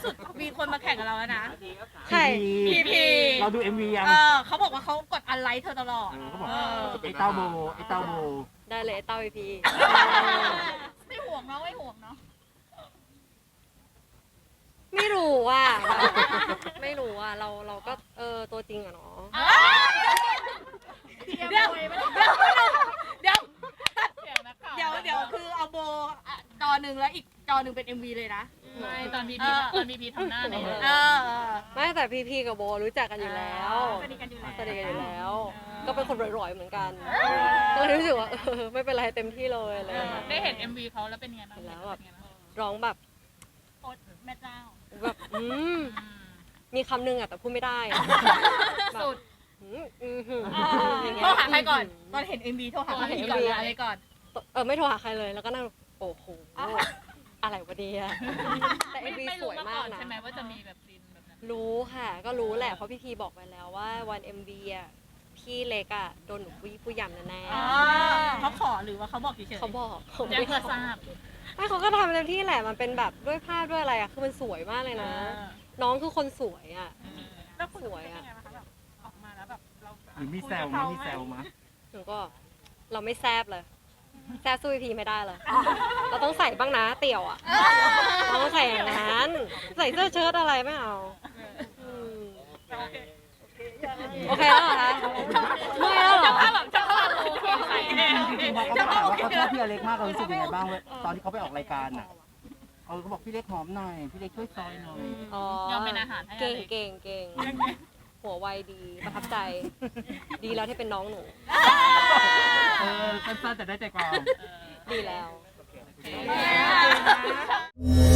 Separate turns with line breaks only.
สุดมีคนมาแข่งกับเราแล้วนะ
ใคร
PP
เราดู MV ยัง
เขาบอกว่าเขากดอันไลค์เธอตลอด
เขาบอกไอ้เต้าโบไอ้เต้าโบ
ได้เลยเต้าพี
ไม่ห่วงเนาะไม่ห่วงเนาะ
ไม่รู้อ่ะไม่รู้อ่ะเราก็ตัวจริงอะเนาะ
เดี๋ยวคือเอาโบจอหนึ่งแล้วอีกจอหนึ่งเป็น MV เลยนะ
ไม่ตอนพีพีทำหน้าเนี่ย
ไม่แต่พีกับโบรู้จักกันอยู่แล้ว
สนิทกันอยู่แล้ว
สนิทกันอยู่แล้ว ก็เป็นคนร่อยๆเหมือนกันก็เลยรู้สึกว่าไม่เป็นไรเต็มที่เลยอะไรอย่างเลย
ได้เห็น MV เขาแล้วเป็นไงบ้าง
แล้วแบบร้องแบบ
โคตรแม่เจ้า
แบบมีคำนึงอะแต่พูดไม่ได้อะ
สุด
อย่างเงี้
โทร
ย
หาใครก่อน ตอนเห็น MV โทรหาใครก่อนอะไรก่อน
ไม่โทรหาใครเลยแล้วก็นั่งโอ้โหอะไรวะเนี่ยแต่ MV
ไม่
ส
รู้
วย
มาก่
มา
อก น
นะ
ใช่ไหมว่าจะมีแบบซีนแบบนั้น
รู้ค่ะก็รู้แหละเพราะพี่พีบอกไปแล้วว่าวัน MV อะพี่เล็กอะโดนหนูผู้ยำแน่
เขาขอหรือว่าเขาบอกเฉย
ๆเขาบอกเขา
แจ้ง
ไม่
เพื่อทราบ
ไม่เขาก็ทำเต็มที่แหละมันเป็นแบบด้วยภาพด้วยอะไรอะคือมันสวยมากเลยนะ น้องคือคนสวยอะ
แล้วคุณ
สวยอะ
เป็นยังไงบ้างคะแบบออกมาแล้วแบบเรา
หรือมีแซวมั้ยมีแซวมั้ย
หนูก็เราไม่แซบเลยแซบสู้พีไม่ได้เลยเราต้องใส่บ้างนะเตี่ยวอะเราต้องใส่อย่างนั้นใส่เสื้อเชิ้ตอะไรไม่เอามโอเคแล้วเหรอคะเมื่อยแล้วเหรอ
จะเข้าโอเคใส่แน่
พอเขาถามว่าเขาชอบพี่อเล็กมากเรารู้สึกยังไงบ้างตอนที่เขาไปออกรายการอ่ะเขาบอกพี่เล็กหอมหน่อยพี่เล็กช่วยซอยหน่อย
ยอมเป็นอาหารให้
เก่ง
อะไร
เก่งเก่งหัวไวดีประทับใจ ดีแล้วที่เป็นน้องหนู
สั้นๆแต่ได้ใจความ
ดีแล้ว
โอเค